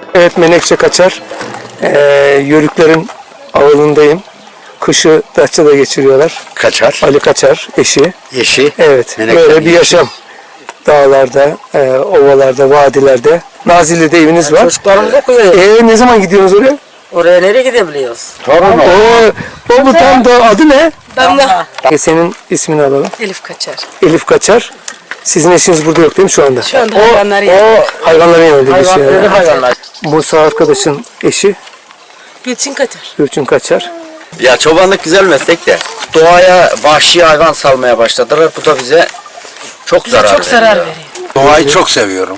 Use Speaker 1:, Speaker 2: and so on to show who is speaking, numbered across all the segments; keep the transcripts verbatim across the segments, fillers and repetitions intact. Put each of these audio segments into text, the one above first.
Speaker 1: Evet, Menekşe Kaçar. Ee, Yörüklerin avlundayım. Kışı Datça'da geçiriyorlar.
Speaker 2: Kaçar.
Speaker 1: Ali Kaçar, eşi.
Speaker 2: Eşi.
Speaker 1: Evet,
Speaker 2: Menekşe
Speaker 1: böyle bir
Speaker 2: eşi.
Speaker 1: yaşam. Dağlarda, e, ovalarda, vadilerde. Nazilli'de eviniz var.
Speaker 3: Çocuklarımız okuyor.
Speaker 1: Ee, ne zaman gidiyorsunuz oraya?
Speaker 3: Oraya nereye gidebiliyoruz?
Speaker 2: Torun o.
Speaker 1: Oo, o bu tam da adı ne?
Speaker 4: Damla.
Speaker 1: E, senin ismini alalım.
Speaker 4: Elif Kaçar.
Speaker 1: Elif Kaçar. Sizin eşiniz burada yok değil mi şu anda?
Speaker 4: Şu anda hayvanları yanında.
Speaker 1: Hayvanların yanında geçiyor.
Speaker 3: Hayvan, hayvanlar.
Speaker 1: Musa arkadaşın eşi
Speaker 4: Gülçin Kaçar.
Speaker 1: Gülçin Kaçar.
Speaker 2: Ya çobanlık güzel meslek de doğaya vahşi hayvan salmaya başladılar. Bu da bize çok
Speaker 4: Bize
Speaker 2: zarar
Speaker 4: çok
Speaker 2: veriyor.
Speaker 4: zarar veriyor.
Speaker 5: Doğayı çok seviyorum.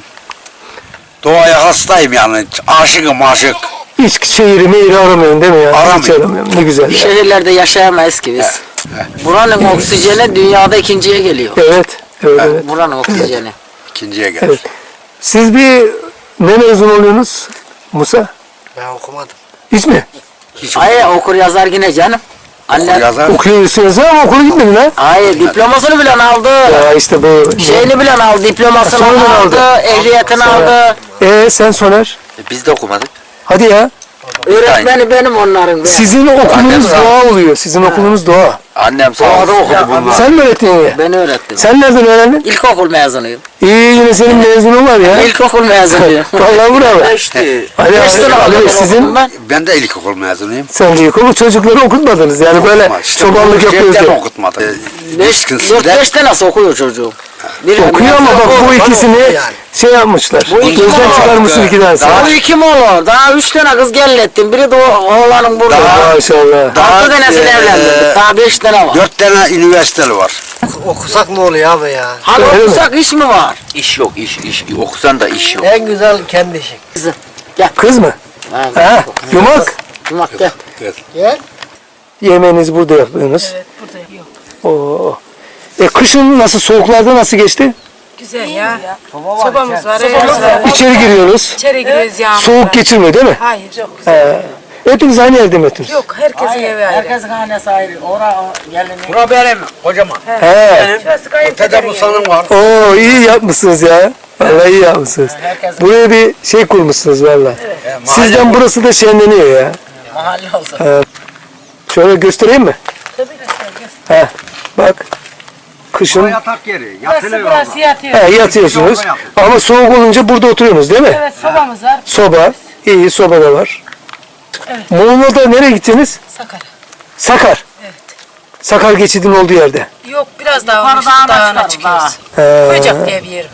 Speaker 5: Doğaya hastayım yani. Aşıkım aşık.
Speaker 1: Hiç şehri meyri aramayın değil mi ya? Hiç
Speaker 5: Aramıyorum.
Speaker 1: aramıyorum. Ne güzel. ya.
Speaker 3: Şehirlerde yaşayamayız ki biz. Buranın oksijeni dünyada ikinciye geliyor.
Speaker 1: Evet. Evet, evet.
Speaker 3: Buranın oksijeni.
Speaker 5: İkinciye gelir.
Speaker 1: Evet. Siz bir ne mezun oluyorsunuz Musa?
Speaker 6: Ben okumadım.
Speaker 1: Hiç mi?
Speaker 3: Hayır okur yazar yine canım. Anne
Speaker 5: Yazar.
Speaker 1: Okuyorsunuz ama okula gitmedin ha?
Speaker 3: hayır diplomasını bile aldı.
Speaker 1: Ya işte bu.
Speaker 3: Şeyini bile aldı, diplomasını
Speaker 1: Sonradan
Speaker 3: aldı,
Speaker 1: aldı.
Speaker 3: ehliyetini aldı.
Speaker 1: Ee sen Soner?
Speaker 2: E, Biz de okumadık.
Speaker 1: Hadi ya.
Speaker 3: Öğretmeni benim onların.
Speaker 1: Sizin okulunuz
Speaker 2: sağ ol.
Speaker 1: doğa oluyor. Sizin okulunuz doğa.
Speaker 2: Annem sağ olsun.
Speaker 5: okudu bunlar.
Speaker 1: Sen mi öğrettin ya?
Speaker 3: Ben öğrettim.
Speaker 1: Sen nereden öğrendin?
Speaker 3: İlkokul mezunuyum.
Speaker 1: İyi, yine senin mezunun var ya.
Speaker 3: İlkokul mezunuyum.
Speaker 1: Vallahi bravo.
Speaker 2: İşte
Speaker 1: Ali,
Speaker 3: Beş
Speaker 1: Ali,
Speaker 3: sene
Speaker 1: Ali,
Speaker 3: okudum
Speaker 1: sizin
Speaker 3: ben.
Speaker 5: Ben de ilkokul mezunuyum.
Speaker 1: sen de ilkokul çocukları okutmadınız. Yani böyle
Speaker 5: Okutma. İşte
Speaker 1: çobanlık
Speaker 5: bunu
Speaker 1: yapıyoruz
Speaker 5: şeyden
Speaker 1: diye.
Speaker 5: okutmadım.
Speaker 3: Beş, dört beş tane nasıl okuyor çocuğum? Bir
Speaker 1: Okuyor ama bak bu ikisini şey yapmışlar.
Speaker 3: Bu iki
Speaker 1: Gözden
Speaker 3: mi
Speaker 1: çıkarmışsın iki tanesi.
Speaker 3: Daha iki mi olur? Daha üç tane kız gellettim. Biri de o oğlanın burada.
Speaker 1: Maşallah.
Speaker 3: Altı tanesini
Speaker 5: eee,
Speaker 3: evlendirdik. Daha beş tane var.
Speaker 5: Dört tane üniversiteli var.
Speaker 6: Okusak ne oluyor abi ya?
Speaker 3: Hani
Speaker 1: Öyle mi?
Speaker 3: okusak iş mi var?
Speaker 2: iş yok, iş, iş. Okusan da iş yok.
Speaker 6: En güzel kendi işin.
Speaker 3: Kızım.
Speaker 1: Kız mı?
Speaker 3: Ha,
Speaker 1: Ha, yumak.
Speaker 3: Yumak gel.
Speaker 6: Gel.
Speaker 1: Yemeğinizi burada yapıyorsunuz.
Speaker 4: Evet, burada yok.
Speaker 1: Oo. E kışın nasıl, soğuklarda nasıl geçti?
Speaker 4: Güzel ya. Sobamız var. evimiz var.
Speaker 1: İçeri giriyoruz.
Speaker 4: İçeri giriyoruz yağmurda.
Speaker 1: Soğuk geçirmiyor değil mi?
Speaker 4: Hayır, çok güzel.
Speaker 1: He. Hepiniz aynı evde mi yatıyorsunuz?
Speaker 4: Yok, herkesin evi ayrı.
Speaker 3: Herkesin hanesi ayrı. Ora gelini.
Speaker 6: Bura benim kocaman.
Speaker 1: He.
Speaker 4: Şurası
Speaker 6: Ötede
Speaker 4: kayınpederin
Speaker 6: bu
Speaker 4: evi.
Speaker 6: sanım var.
Speaker 1: Oo, iyi yapmışsınız ya. Vallahi iyi yapmışsınız. Buraya bir şey kurmuşsunuz vallahi. Sizden burası da şenleniyor ya.
Speaker 3: Mahalle olsa.
Speaker 1: Şöyle göstereyim mi?
Speaker 4: Tabii göster, göster.
Speaker 1: He. Bak. Kışın
Speaker 5: Yatak yeri.
Speaker 4: Burası, burası yatıyor.
Speaker 1: he, yatıyorsunuz. Ama soğuk olunca burada oturuyorsunuz değil mi?
Speaker 4: Evet, sobamız var.
Speaker 1: Soba. İyi, soba da var.
Speaker 4: Evet.
Speaker 1: Muğla'da nereye gittiniz?
Speaker 4: Sakar.
Speaker 1: Sakar.
Speaker 4: Evet.
Speaker 1: Sakar geçidin olduğu yerde.
Speaker 4: Yok, biraz daha
Speaker 3: Yukarı
Speaker 4: olmuş,
Speaker 3: dağına
Speaker 4: dağına
Speaker 3: çıkarız,
Speaker 4: çıkıyoruz.
Speaker 1: He.
Speaker 4: Koyacak diye bir yerim.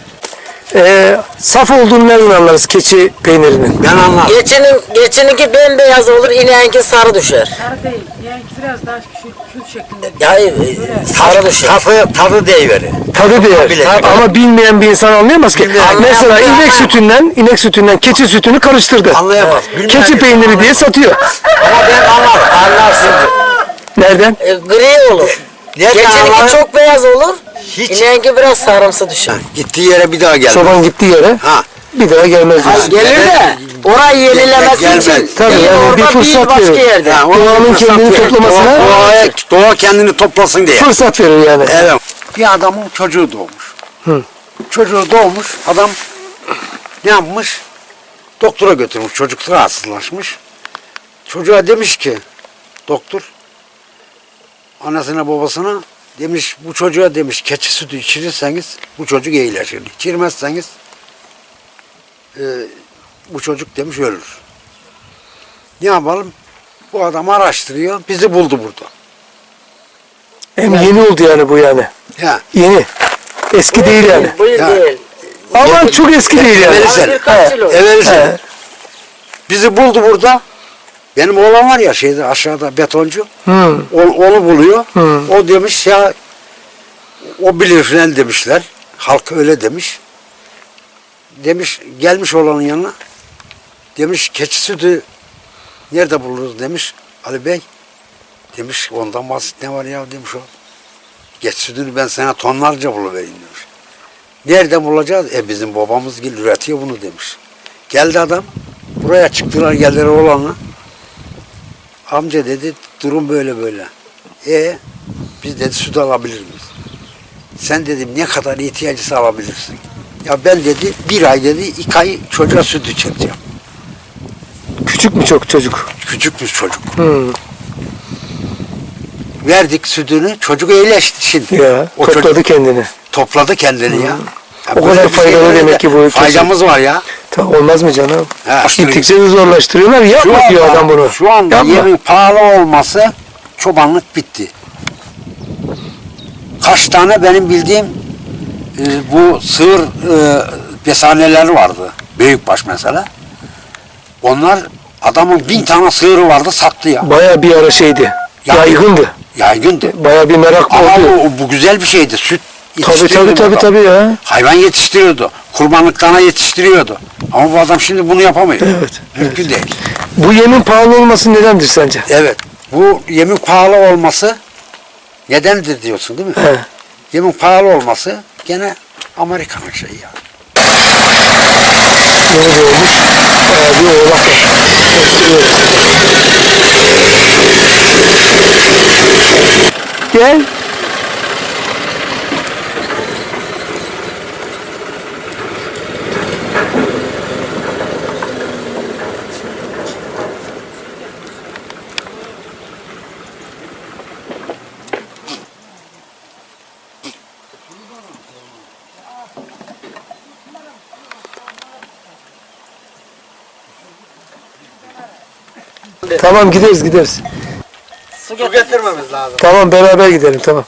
Speaker 1: Ee, saf olduğunu nereden anlarız keçi peynirinin?
Speaker 5: Ben anladım.
Speaker 3: Geçinin, geçininki bembeyaz olur, ineğinki sarı düşer.
Speaker 4: Sarı değil, yani biraz daha kül, kül şeklinde.
Speaker 3: Yani e, sarı düşer.
Speaker 5: Tadı, tadı deyiveri.
Speaker 1: Tadı değer.
Speaker 5: Bilir.
Speaker 1: Ama bilmeyen bir insan anlayamaz ki. Mesela inek sütünden, inek sütünden keçi sütünü karıştırdı.
Speaker 5: Anlayamaz. Bilmeyen
Speaker 1: Keçi
Speaker 5: bir-
Speaker 1: peyniri diye satıyor.
Speaker 5: Ama ben anlarım.
Speaker 3: Anlarsın.
Speaker 1: Nereden?
Speaker 3: E, gri olur.
Speaker 5: Nereden
Speaker 3: Geçininki
Speaker 5: anlarım?
Speaker 3: çok beyaz olur,
Speaker 5: Hiç.
Speaker 3: ineğinki biraz sarımsı düşer.
Speaker 5: Gittiği yere bir daha gelmez.
Speaker 1: Çoban gittiği yere
Speaker 5: Ha.
Speaker 1: bir daha gelmez diyorsun.
Speaker 3: Gelir de orayı yenilemesi
Speaker 5: Gelmez.
Speaker 3: için
Speaker 1: Tabii
Speaker 3: değil,
Speaker 1: yani bir
Speaker 3: orada
Speaker 1: fırsat
Speaker 3: değil, başka
Speaker 1: verir.
Speaker 3: yerde.
Speaker 5: Ha, ona
Speaker 1: Doğanın
Speaker 5: fırsat
Speaker 1: kendini
Speaker 5: verir.
Speaker 1: toplamasına-
Speaker 5: Doğa, doğaya- doğa kendini toplasın diye.
Speaker 1: Fırsat verir yani.
Speaker 5: Evet. Bir adamın çocuğu doğmuş.
Speaker 1: Hı.
Speaker 5: Çocuğu doğmuş. Adam ne yapmış? Doktora götürmüş. Çocuk rahatsızlaşmış. Çocuğa demiş ki doktor anasına babasına demiş bu çocuğa demiş keçi sütü içirirseniz bu çocuk iyileşir. İçirmezseniz e, bu çocuk demiş ölür. Ne yapalım? Bu adam araştırıyor. Bizi buldu burada.
Speaker 1: Hem yeni oldu yani bu yani.
Speaker 5: Ya.
Speaker 1: Yeni. Eski değil yani.
Speaker 3: Bu yıl
Speaker 5: Ya.
Speaker 3: değil.
Speaker 1: Ama çok eski değil yani.
Speaker 5: Evveli
Speaker 3: Abi
Speaker 5: sene.
Speaker 3: birkaç yıl oldu.
Speaker 5: Evveli sene.
Speaker 1: He.
Speaker 5: Bizi buldu burada. Benim oğlan var ya şeyde aşağıda betoncu.
Speaker 1: Hı.
Speaker 5: O- onu buluyor.
Speaker 1: Hı.
Speaker 5: O demiş ya o bilir filan demişler. Halk öyle demiş. Demiş gelmiş oğlanın yanına. Demiş keçi sütü nerede buluruz demiş Ali Bey. Demiş ondan basit ne var ya demiş o. Keçi sütünü ben sana tonlarca buluvereyim demiş. Nereden bulacağız? E bizim babamız gel üretiyor bunu demiş. Geldi adam. Buraya çıktılar geldiler oğlanla. Amca dedi durum böyle böyle. E biz dedi süt alabilir miyiz? Sen dedim ne kadar ihtiyacısı alabilirsin? Ya ben dedi bir ay dedi iki ay çocuğa süt içireceğim.
Speaker 1: Küçük mü çok çocuk?
Speaker 5: Küçük bir çocuk.
Speaker 1: Hmm.
Speaker 5: Verdik sütünü, çocuk iyileşsin.
Speaker 1: Ya
Speaker 5: O
Speaker 1: topladı
Speaker 5: çocuk
Speaker 1: kendini.
Speaker 5: topladı kendini ya. Ya
Speaker 1: O
Speaker 5: böyle
Speaker 1: kadar
Speaker 5: bir şey
Speaker 1: faydalı
Speaker 5: böyle
Speaker 1: demek
Speaker 5: de
Speaker 1: ki bu.
Speaker 5: Faydamız var ya.
Speaker 1: Ta, olmaz mı canım?
Speaker 5: Ha,
Speaker 1: Gittikçe de zorlaştırıyorlar. Yapma
Speaker 5: Şu
Speaker 1: diyor
Speaker 5: anda,
Speaker 1: adam bunu.
Speaker 5: şu anda
Speaker 1: Yapma.
Speaker 5: yemin pahalı olması çobanlık bitti. Kaç tane benim bildiğim e, bu sığır e, besaneleri vardı. Büyükbaş mesela. Onlar adamın bin tane sığırı vardı sattı ya.
Speaker 1: Baya bir ara şeydi.
Speaker 5: Ya-
Speaker 1: Yaygındı.
Speaker 5: Yaygındı.
Speaker 1: Baya bir merak
Speaker 5: Ama
Speaker 1: oldu.
Speaker 5: bu, bu güzel bir şeydi. Süt
Speaker 1: Tabii
Speaker 5: yetiştiriyordu
Speaker 1: tabii
Speaker 5: bu
Speaker 1: tabii
Speaker 5: adam.
Speaker 1: tabii ya.
Speaker 5: Hayvan yetiştiriyordu. Kurbanlık dana yetiştiriyordu. Ama bu adam şimdi bunu yapamıyor.
Speaker 1: Evet,
Speaker 5: Mümkün değil.
Speaker 1: Bu yemin pahalı olması nedendir sence?
Speaker 5: Evet. Bu yemin pahalı olması nedendir diyorsun değil mi?
Speaker 1: He.
Speaker 5: Yemin pahalı olması gene Amerika'nın şeyi ya.
Speaker 1: Yeni doğmuş. Baya bir oğlak var. Gel. Tamam gideriz gideriz.
Speaker 6: Su getirmemiz lazım.
Speaker 1: Tamam beraber gidelim tamam.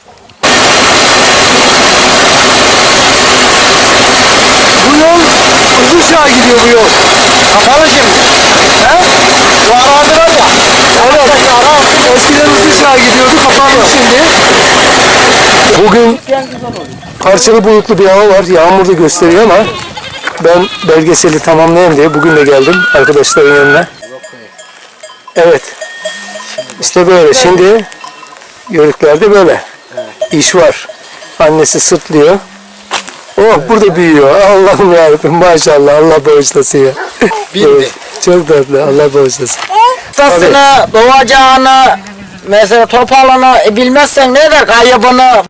Speaker 1: Bu yol Kızılçağ'a gidiyor bu yol.
Speaker 6: Kapalı şimdi. He? Bu arazi var ya.
Speaker 1: Evet. Eskiden Kızılçağ'a gidiyordu kapandı şimdi. Bugün parçalı bulutlu bir hava var. Yağmur da gösteriyor ama ben belgeseli tamamlayayım diye bugün de geldim arkadaşların yanına. Evet. İşte böyle. Şimdi yörüklerde böyle. İş var. Annesi sırtlıyor. Oh burada büyüyor. Allah'ım yarabbim maşallah. Allah bağışlasın ya. Evet, çok tatlı. Allah bağışlasın.
Speaker 3: Tasını, doğacağını, mesela topalını e, bilmezsen ne der kaybını.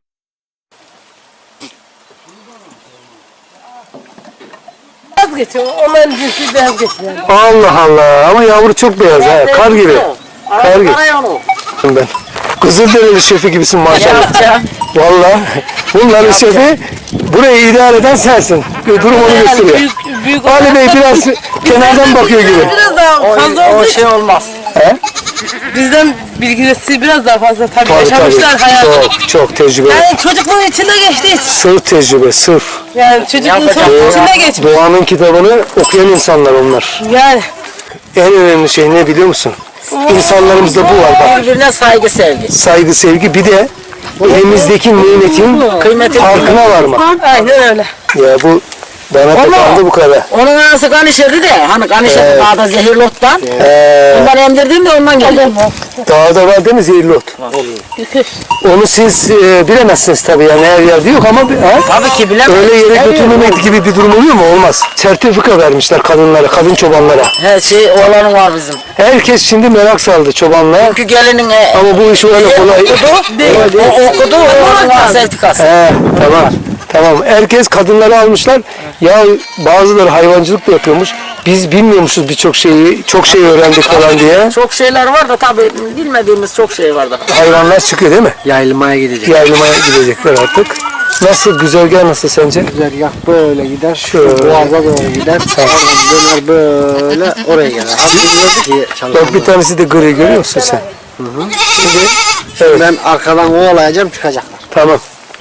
Speaker 4: Vazgeçiyor. Onların cinsi vazgeçiyor.
Speaker 1: Allah Allah. Ama yavru çok beyaz ha. Kar gibi. Kar gibi. Ben. Kızılderili şefi gibisin maşallah.
Speaker 3: Ya.
Speaker 1: Vallahi bunların şefi burayı idare eden sensin. Durum onu gösteriyor.
Speaker 4: Büyük, büyük
Speaker 1: Ali Bey biraz kenardan bakıyor gibi.
Speaker 4: biraz daha
Speaker 3: O,
Speaker 4: fazla
Speaker 3: o
Speaker 4: oldu.
Speaker 3: şey olmaz.
Speaker 1: He?
Speaker 4: Bizden bilgisi biraz daha fazla tabii.
Speaker 1: Tabii
Speaker 4: Yaşamışlar
Speaker 1: tabii.
Speaker 4: hayatı.
Speaker 1: Çok çok tecrübe.
Speaker 4: Yani çocukluğun içinde geçti.
Speaker 1: Sırf tecrübe, sırf.
Speaker 4: Yani çocukluğun
Speaker 3: Yapacak
Speaker 4: çok
Speaker 3: ya.
Speaker 4: içinde geçmiş.
Speaker 1: Doğanın kitabını okuyan insanlar onlar.
Speaker 4: Yani
Speaker 1: En önemli şey ne biliyor musun? İnsanlarımızda bu var bak.
Speaker 3: Birbirine saygı sevgi.
Speaker 1: Saygı, sevgi bir de elimizdeki nimetin
Speaker 3: Kıymeti
Speaker 1: farkına varmak.
Speaker 4: aynen öyle.
Speaker 1: Ya bu bana tıkandı bu kadar.
Speaker 3: Onun anası kan işedi de hani kan işedi
Speaker 1: Evet.
Speaker 3: dağda zehirli ottan.
Speaker 1: Ee,
Speaker 3: Ondan emdirdim de ondan geldi.
Speaker 1: dağda var değil mi zehirli ot? Onu siz e, bilemezsiniz tabii yani her yerde yok ama bir- ha?
Speaker 3: Tabii ki bilemem.
Speaker 1: Öyle yere götürmemek gibi bir durum oluyor mu? Olmaz. Sertifika vermişler kadınlara, kadın çobanlara.
Speaker 3: Her şey oğlanın var bizim.
Speaker 1: Herkes şimdi merak saldı çobanlığa.
Speaker 3: Çünkü gelinin e,
Speaker 1: Ama bu iş öyle kolay.
Speaker 3: okudu, o okudu, oğlanın var sertifikası.
Speaker 1: He, tamam. Tamam. Herkes kadınları almışlar. Ya bazıları hayvancılık da yapıyormuş. Biz bilmiyormuşuz birçok şeyi. Çok şey öğrendik falan diye.
Speaker 3: Çok şeyler var da tabii bilmediğimiz çok şey var da.
Speaker 1: Hayvanlar çıkıyor değil mi?
Speaker 6: Yaylımaya gidecek.
Speaker 1: Yaylımaya gidecekler artık. Nasıl? Güzergah nasıl sence?
Speaker 6: Güzergah böyle gider.
Speaker 1: Şöyle.
Speaker 6: Boğaza doğru gider. Oradan döner böyle oraya gelir. Hafif diye
Speaker 1: Bak bir tanesi de gri görüyor musun sen? Şimdi, evet.
Speaker 6: Ben arkadan kovalayacağım çıkacaklar.
Speaker 1: Tamam.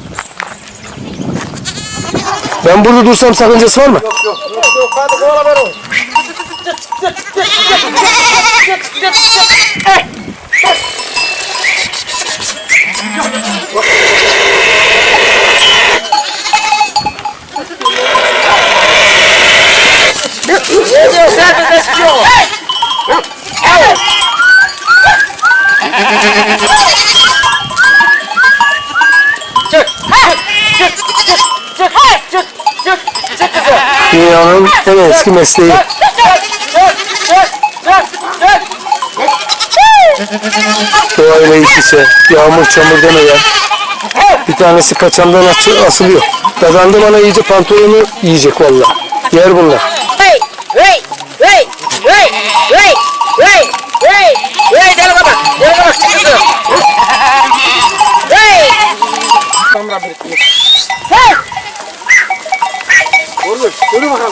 Speaker 1: Ben burada dursam sakıncası var mı?
Speaker 6: Hadi kovala ver onu.
Speaker 3: Ne diyor sen bize istiyor?
Speaker 1: Dünyanın en eski mesleği. Doğayla iç içe. Yağmur çamur demeden. Bir tanesi kaçandan as- asılıyor. Dadandı bana iyice pantolonu yiyecek vallahi. Yer bunlar.
Speaker 3: Hey, hey, hey, hey, hey,
Speaker 5: Yürü bakalım.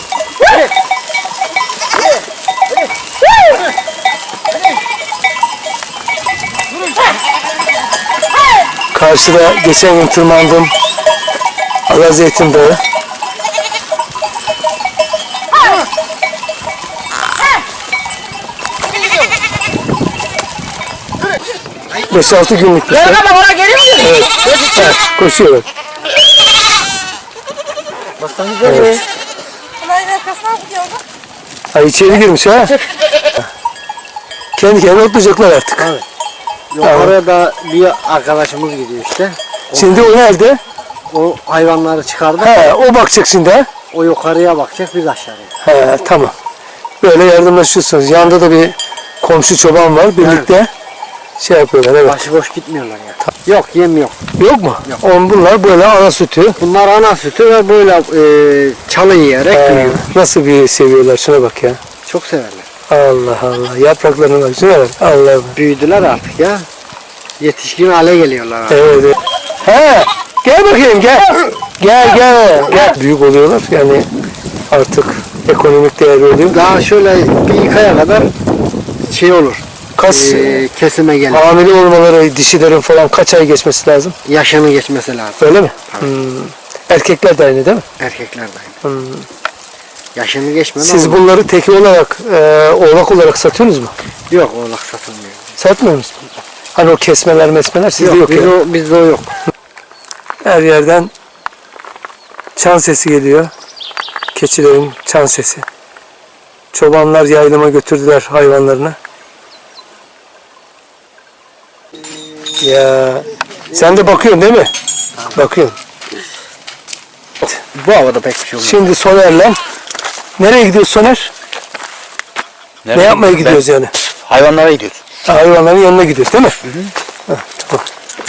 Speaker 1: Karşıda geçen gün tırmandım. Alazeytin Dağı. Beş altı günlük bir şey.
Speaker 3: Bak oraya geliyor mu?
Speaker 1: Evet. Evet, koşuyorlar. Evet. Ay içeri girmiş ha. Kendi kendine otlayacaklar artık.
Speaker 6: Yukarıya da bir arkadaşımız gidiyor işte.
Speaker 1: Şimdi o nerede?
Speaker 6: O hayvanları çıkardı.
Speaker 1: He, o bakacak şimdi ha.
Speaker 6: O yukarıya bakacak, biz aşağıya.
Speaker 1: He, tamam. Böyle yardımlaşıyorsunuz. Yanında da bir komşu çoban var. Birlikte şey yapıyorlar. Evet.
Speaker 6: Başıboş gitmiyorlar ya. Yok, yem yok.
Speaker 1: Yok mu? On bunlar böyle ana sütü.
Speaker 6: Bunlar ana sütü ve böyle e, çalı yiyerek
Speaker 1: He,
Speaker 6: büyüyor.
Speaker 1: nasıl bir seviyorlar. Şuna bak ya.
Speaker 6: Çok severler.
Speaker 1: Allah Allah. Yapraklarına bak. Şuna bak. Allah Allah.
Speaker 6: Büyüdüler artık ya. Yetişkin hale geliyorlar artık.
Speaker 1: Evet, evet. He, gel bakayım gel. Gel gel gel. Büyük oluyorlar yani artık ekonomik değerli oluyor.
Speaker 6: Daha şöyle bir iki aya kadar şey olur.
Speaker 1: Kas
Speaker 6: e, kesime gelir.
Speaker 1: hamile olmaları dişilerin falan kaç ay geçmesi lazım?
Speaker 6: Yaşını geçmesi lazım.
Speaker 1: Öyle mi? Hmm. Erkekler de aynı değil mi?
Speaker 6: Erkekler de aynı.
Speaker 1: Hmm.
Speaker 6: Yaşını geçmeden
Speaker 1: Siz
Speaker 6: olmaz.
Speaker 1: bunları teki olarak e, oğlak olarak satıyorsunuz mu?
Speaker 6: Yok, oğlak satılmıyor.
Speaker 1: Satmıyor musunuz? Hani o kesmeler mesmeler sizde
Speaker 6: Yok,
Speaker 1: yok,
Speaker 6: biz
Speaker 1: yani.
Speaker 6: o, bizde o yok.
Speaker 1: Her yerden çan sesi geliyor. Keçilerin çan sesi. Çobanlar yaylıma götürdüler hayvanlarını. Ya sen de bakıyorsun değil mi? Bakıyorsun.
Speaker 6: Bu havada pek bir şey olmaz.
Speaker 1: Şimdi Soner'le nereye gidiyoruz Soner? Ne yapmaya gidiyoruz yani?
Speaker 2: Hayvanlara gidiyoruz.
Speaker 1: Hayvanların yanına gidiyoruz değil mi? Hı hı. Heh, tamam.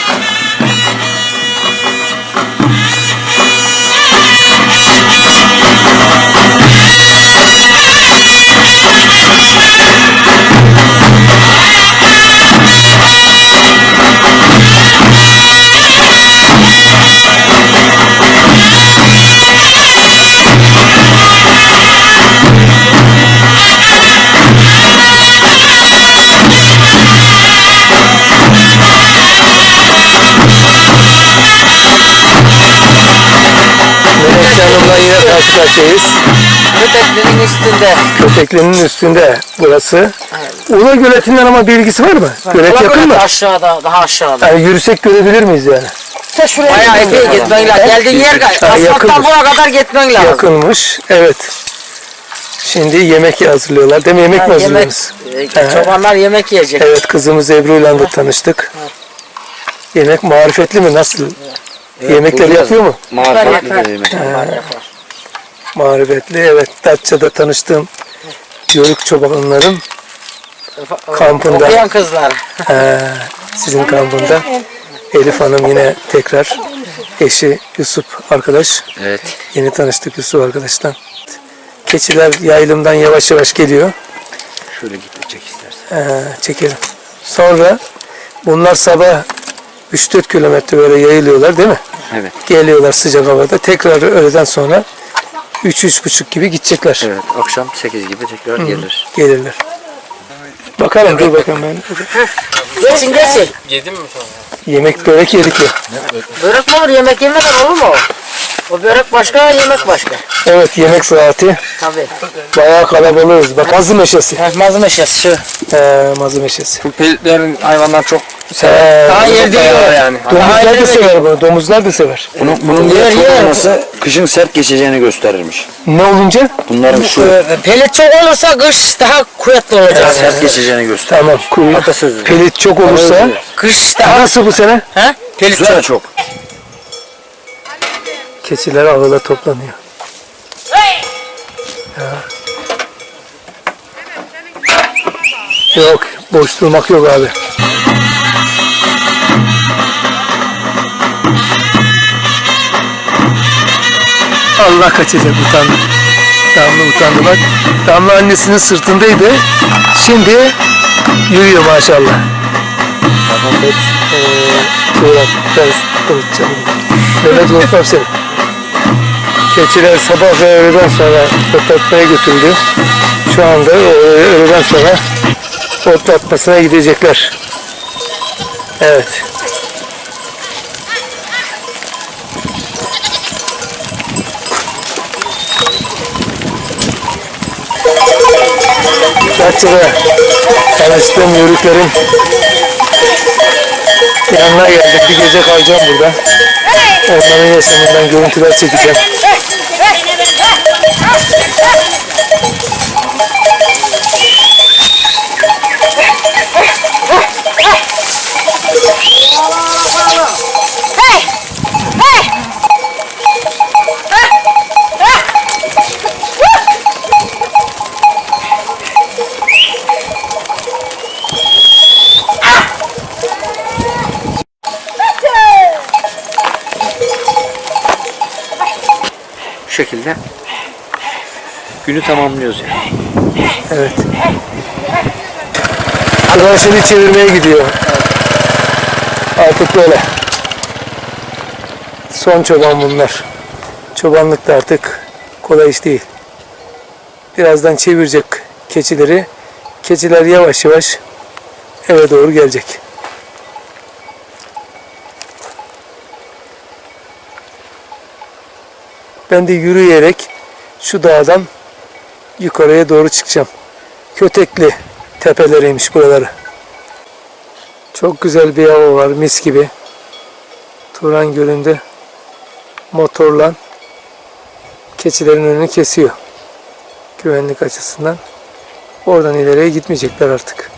Speaker 1: Melekçe Hanım'la yine karşı karşıyayız.
Speaker 3: Köpeklerin üstünde.
Speaker 1: Köpeklerin üstünde burası. Ula göletinden ama bir ilgisi var mı? Gölet yakın mı?
Speaker 3: Aşağıda, daha aşağıda.
Speaker 1: Yani yürüsek görebilir miyiz yani?
Speaker 3: Bayağı epey gitmen lazım. Geldiğin yer asfalttan
Speaker 1: yakınmış.
Speaker 3: buraya kadar gitmen lazım.
Speaker 1: Yakınmış. Evet. Şimdi yemek hazırlıyorlar. Değil mi? Yemek mi
Speaker 3: yemek,
Speaker 1: hazırlıyorsunuz?
Speaker 3: e, çobanlar yemek yiyecek.
Speaker 1: Evet, kızımız Ebru'yla da tanıştık. Yemek marifetli mi? Nasıl? Yemekleri yapıyor mu?
Speaker 3: Yapar,
Speaker 2: Marifetli
Speaker 3: yapar.
Speaker 2: de yemek.
Speaker 3: Yapar, yapar.
Speaker 1: Marifetli. Evet, Datça'da tanıştığım Yörük çobanların kampında.
Speaker 3: Okuyan kızlar.
Speaker 1: Ee, sizin kampında. Elif Hanım yine tekrar eşi Yusuf arkadaş.
Speaker 2: Evet.
Speaker 1: Yeni tanıştık Yusuf arkadaştan. Keçiler yaylımdan yavaş yavaş geliyor.
Speaker 2: Şöyle git çek istersen.
Speaker 1: Ee, çekelim. Sonra bunlar sabah üç dört kilometre böyle yayılıyorlar değil mi?
Speaker 2: Evet.
Speaker 1: Geliyorlar sıcak havada. Tekrar öğleden sonra üç üç buçuk gibi gidecekler.
Speaker 2: Evet. Akşam sekiz gibi tekrar gelir.
Speaker 1: Gelirler. Bakalım dur bakalım ben.
Speaker 3: Geçin geçin.
Speaker 1: Yemek börek yedik ya.
Speaker 3: Börek mi olur, yemek yemek olur mu? O börek başka, yemek başka.
Speaker 1: Evet, yemek saati.
Speaker 3: Tabii.
Speaker 1: Bayağı kalabalığız. Bak mazı meşesi.
Speaker 3: Mazı meşesi şu.
Speaker 1: Ee, mazı meşesi.
Speaker 6: Bu pelitlerin hayvanlar çok
Speaker 1: Ee,
Speaker 3: Daha yer değil
Speaker 6: yani.
Speaker 1: domuzlar da sever bunu. Domuzlar da sever.
Speaker 2: Bunun, bunun
Speaker 3: Yer,
Speaker 2: böyle çok
Speaker 3: yer.
Speaker 2: olması kışın sert geçeceğini gösterirmiş.
Speaker 1: Ne olunca?
Speaker 2: Bunların şu
Speaker 3: Pelit çok olursa kış daha kuvvetli olacak.
Speaker 2: sert geçeceğini gösterir.
Speaker 1: Tamam. Kuyu.
Speaker 2: Atasözü.
Speaker 1: Pelit çok olursa.
Speaker 3: Kış daha...
Speaker 1: Nasıl bu sene?
Speaker 3: He?
Speaker 2: Bu sene çok.
Speaker 1: Keçiler avluda toplanıyor. Ya. Yok, boş durmak yok abi. Allah kaçacak, utandı. Damla utandı bak. Damla annesinin sırtındaydı. Şimdi yürüyor maşallah. Muhammed eee Turan, ben konuşacağım. Mehmet unutmam seni. Keçiler sabah ve öğleden sonra otlatmaya götürüldü. Şu anda öğleden sonra otlatmasına gidecekler. Evet. Datça'da tanıştığım yörüklerin yanına geldim. Bir gece kalacağım burada. Onların yaşamından görüntüler çekeceğim.
Speaker 6: Bu şekilde günü tamamlıyoruz yani.
Speaker 1: Evet. Arkadaşını çevirmeye gidiyor. Artık böyle. Son çoban bunlar. Çobanlık da artık kolay iş değil. Birazdan çevirecek keçileri. Keçiler yavaş yavaş eve doğru gelecek. Ben de yürüyerek şu dağdan yukarıya doğru çıkacağım. Kötekli tepeleriymiş buraları. Çok güzel bir hava var, mis gibi. Turan Gölü'nde motorla keçilerin önünü kesiyor. Güvenlik açısından. Oradan ileriye gitmeyecekler artık.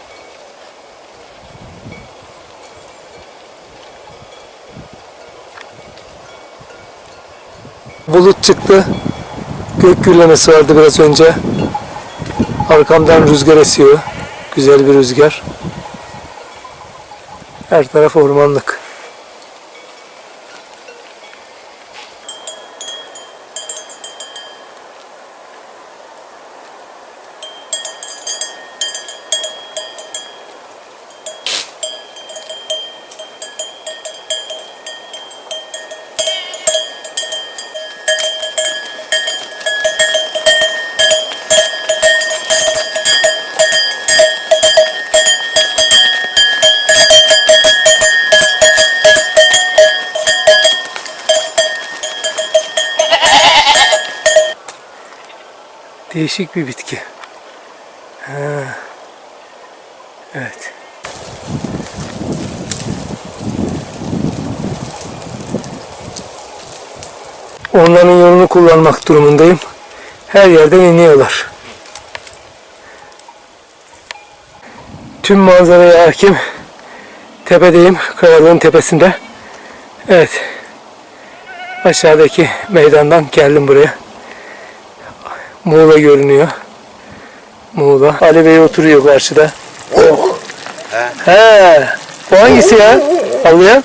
Speaker 1: Bulut çıktı. Gök gürlemesi vardı biraz önce. Arkamdan rüzgar esiyor. Güzel bir rüzgar. Her taraf ormanlık. Değişik bir bitki. Ha. Evet. Onların yolunu kullanmak durumundayım. Her yerden iniyorlar. Tüm manzaraya hakim. Tepedeyim. Kayalığın tepesinde. Evet. Aşağıdaki meydandan geldim buraya. Muğla görünüyor. Muğla. Ali Bey oturuyor karşıda. Oh. He. He. Bu hangisi ya? Ağlayan?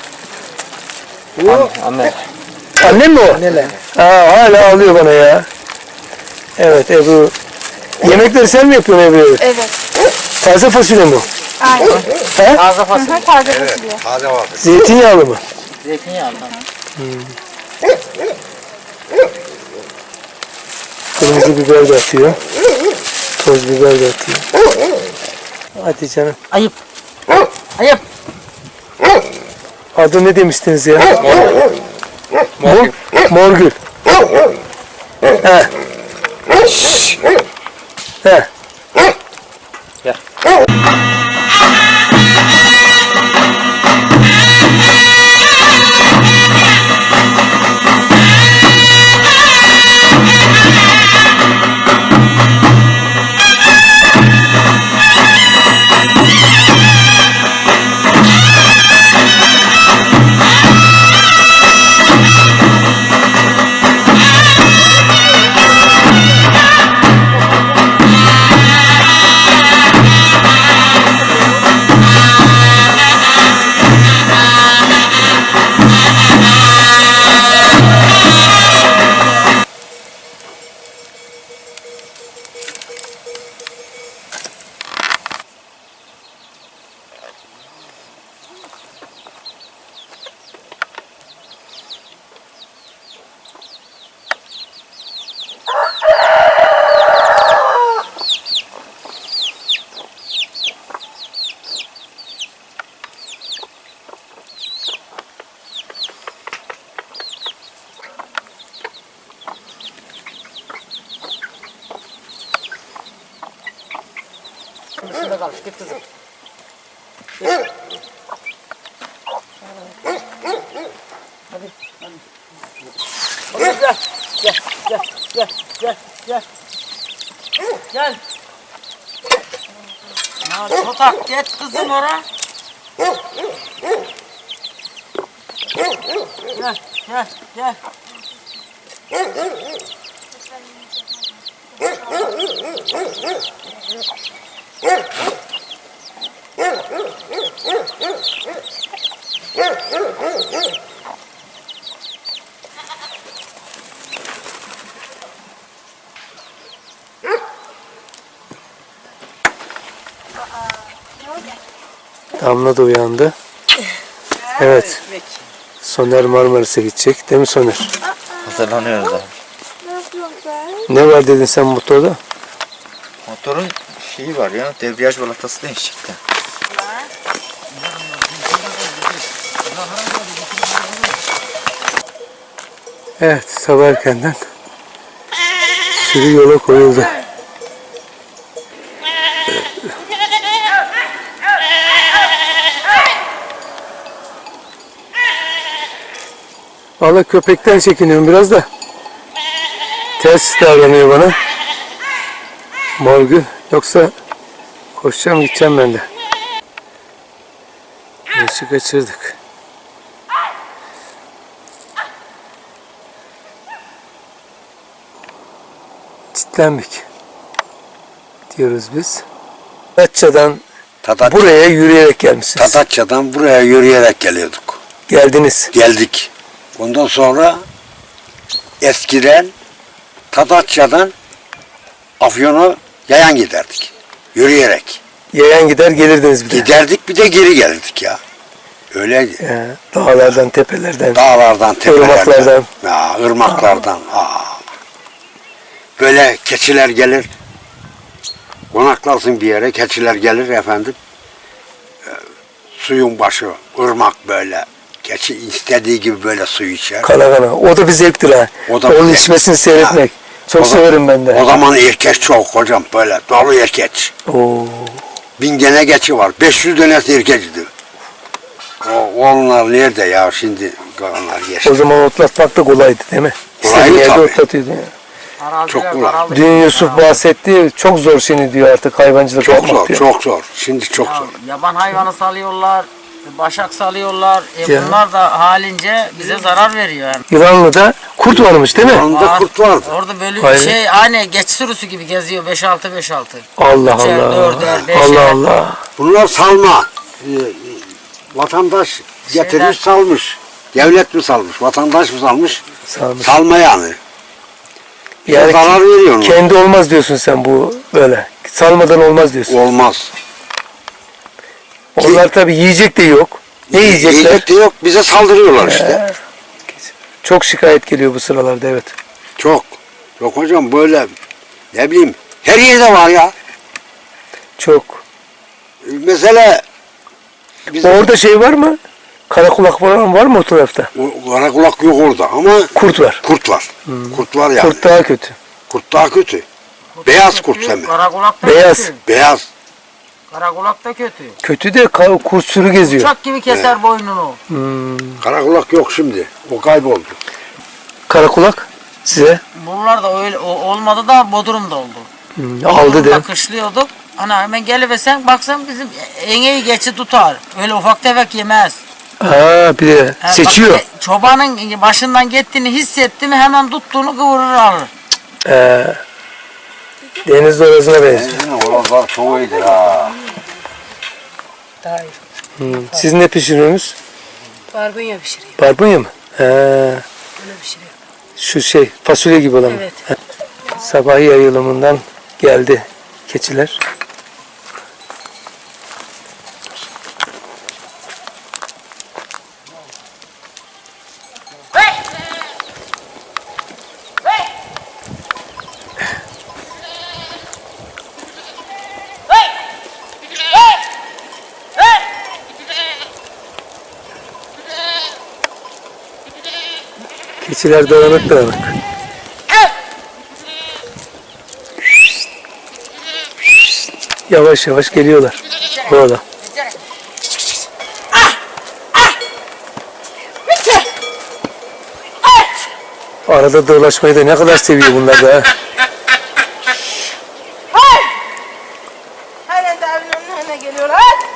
Speaker 6: Anne.
Speaker 1: Annem mi o?
Speaker 3: Anneler.
Speaker 1: Ha, hala ağlıyor bana ya. Evet Ebru. Yemekleri sen mi yapıyorsun Ebru?
Speaker 7: Evet.
Speaker 1: Taze fasulye mi?
Speaker 7: Aynen.
Speaker 1: He?
Speaker 6: Taze fasulye.
Speaker 7: Taze fasulye.
Speaker 5: Taze var.
Speaker 1: Zeytinyağlı mı?
Speaker 6: Zeytinyağlı.
Speaker 1: Kırmızı biber de atıyor. Toz biber de atıyor. Hadi canım.
Speaker 3: Ayıp. Ayıp.
Speaker 1: Adı ne demiştiniz ya? Morgül. Morgül. He. He.
Speaker 3: bakalım. Git kızım. Hadi. Hadi. Gel. Gel. Gel. Gel. Gel. Gel. Gel. Ya çotak git kızım oraya. Gel. Gel. Gel.
Speaker 1: Damla da uyandı. Evet. Soner Marmaris'e gidecek. Değil mi Soner?
Speaker 2: Hazırlanıyoruz abi.
Speaker 1: Ne var dedin sen motorda?
Speaker 2: Motorun şeyi var ya, debriyaj balatası değişikti.
Speaker 1: Evet, sabah erkenden sürü yola koyuldu. Valla köpekten çekiniyorum biraz da. Ters davranıyor bana. Morgül. Yoksa koşacağım gideceğim ben de. Yaşı kaçırdık. Çitlenmek diyoruz biz. Tadatça'dan
Speaker 5: Tadat,
Speaker 1: buraya yürüyerek gelmişsiniz.
Speaker 5: Tadatça'dan buraya yürüyerek geliyorduk.
Speaker 1: Geldiniz.
Speaker 5: Geldik. Ondan sonra eskiden Tadatça'dan Afyon'a yayan giderdik. Yürüyerek.
Speaker 1: Yayan gider gelirdiniz bir de.
Speaker 5: Giderdik bir de geri gelirdik ya. Öyleydi.
Speaker 1: Ee, dağlardan, tepelerden.
Speaker 5: Dağlardan, tepelerden.
Speaker 1: Irmaklardan.
Speaker 5: Ya, ırmaklardan. Aa. Böyle keçiler gelir. Konaklarsın bir yere. Keçiler gelir efendim. Ee, suyun başı, ırmak böyle. Keçi istediği gibi böyle suyu içer.
Speaker 1: Kana kana. O da bir zevktir ha.
Speaker 5: O da
Speaker 1: Onun
Speaker 5: bir zevk.
Speaker 1: içmesini seyretmek. Çok
Speaker 5: O da-
Speaker 1: severim ben de.
Speaker 5: O zaman erkek çok hocam böyle. Dolu erkek.
Speaker 1: Oo.
Speaker 5: Bin gene geçi var. beş yüz dönesi erkekti. O, onlar nerede ya şimdi onlar geçti.
Speaker 1: O zaman otlatmak da kolaydı değil mi?
Speaker 5: Kolaydı
Speaker 1: İstediğin yerde
Speaker 5: tabii.
Speaker 1: otlatıyordu ya.
Speaker 5: Çok
Speaker 3: Araziler
Speaker 5: kolay.
Speaker 3: daraldı.
Speaker 1: Dün Yusuf bahsetti. Çok zor şimdi diyor artık hayvancılık
Speaker 5: Çok
Speaker 1: yapmak
Speaker 5: zor,
Speaker 1: diyor.
Speaker 5: çok zor. Şimdi çok
Speaker 3: Ya,
Speaker 5: zor.
Speaker 3: yaban hayvanı salıyorlar, başak salıyorlar. E
Speaker 1: Ya.
Speaker 3: bunlar da halince bize zarar veriyor yani.
Speaker 1: İranlı'da kurt varmış değil mi?
Speaker 5: Yanında
Speaker 3: Var.
Speaker 5: kurt vardı.
Speaker 3: Orada böyle
Speaker 1: Hayır.
Speaker 3: şey aynı geç sürüsü gibi geziyor beş altı beş altı.
Speaker 1: Allah
Speaker 3: Üçer,
Speaker 1: Allah.
Speaker 3: dörder, beşer.
Speaker 1: Allah Allah.
Speaker 5: Bunlar salma. Ee, vatandaş getirmiş salmış. Devlet mi salmış, vatandaş mı salmış?
Speaker 1: Salmış.
Speaker 5: Salma yani.
Speaker 1: Yani
Speaker 5: zarar veriyor onlar.
Speaker 1: kendi olmaz diyorsun sen bu böyle. Salmadan olmaz diyorsun.
Speaker 5: Olmaz.
Speaker 1: Onlar tabii yiyecek de yok. Ne yiyecekler?
Speaker 5: Yiyecek de yok, bize saldırıyorlar işte.
Speaker 1: Çok şikayet geliyor bu sıralarda evet.
Speaker 5: Çok. Yok hocam böyle ne bileyim her yerde var ya.
Speaker 1: Çok.
Speaker 5: Mesela bizim
Speaker 1: Orada şey var mı? Karakulak falan var mı o tarafta?
Speaker 5: o karakulak yok orada ama
Speaker 1: Kurt var.
Speaker 5: kurt var. Kurt var yani.
Speaker 1: Kurt daha kötü.
Speaker 5: Kurt daha kötü. Beyaz kurt hem de.
Speaker 3: Karakulak da
Speaker 1: Beyaz.
Speaker 3: kötü.
Speaker 5: Beyaz.
Speaker 3: Karakulak da kötü.
Speaker 1: Kötü de ka- kurt sürü geziyor.
Speaker 3: Uçak gibi keser boynunu.
Speaker 5: Karakulak yok şimdi. O kayboldu.
Speaker 1: Karakulak size
Speaker 3: Bunlar da öyle o- olmadı da Bodrum'da oldu.
Speaker 1: hmm, aldı
Speaker 3: Bodrum'da
Speaker 1: de.
Speaker 3: kışlıyorduk. Hani hemen gelivesen baksan bizim eneği geçi tutar. Öyle ufak tefek yemez.
Speaker 1: Ha bir de
Speaker 3: Ha,
Speaker 1: seçiyor.
Speaker 3: bak, e, çobanın başından gittiğini hissetti mi hemen tuttuğunu kıvırır alır.
Speaker 1: Ee, deniz dorasına benziyor.
Speaker 5: Oralar çok iyidir ha.
Speaker 4: Daha iyi.
Speaker 1: Hmm. Siz ne pişiriyorsunuz?
Speaker 4: Barbunya pişireyim.
Speaker 1: Barbunya mı? He,
Speaker 4: Öyle pişiriyorum.
Speaker 1: şu şey fasulye gibi olan mı?
Speaker 4: Evet.
Speaker 1: He. Sabah yayılımından geldi keçiler. Keçiler dağınık dağınık. Yavaş yavaş geliyorlar. Burada. Arada dolaşmayı da ne kadar seviyor bunlar da. ha.
Speaker 7: Halen de evin önüne geliyorlar.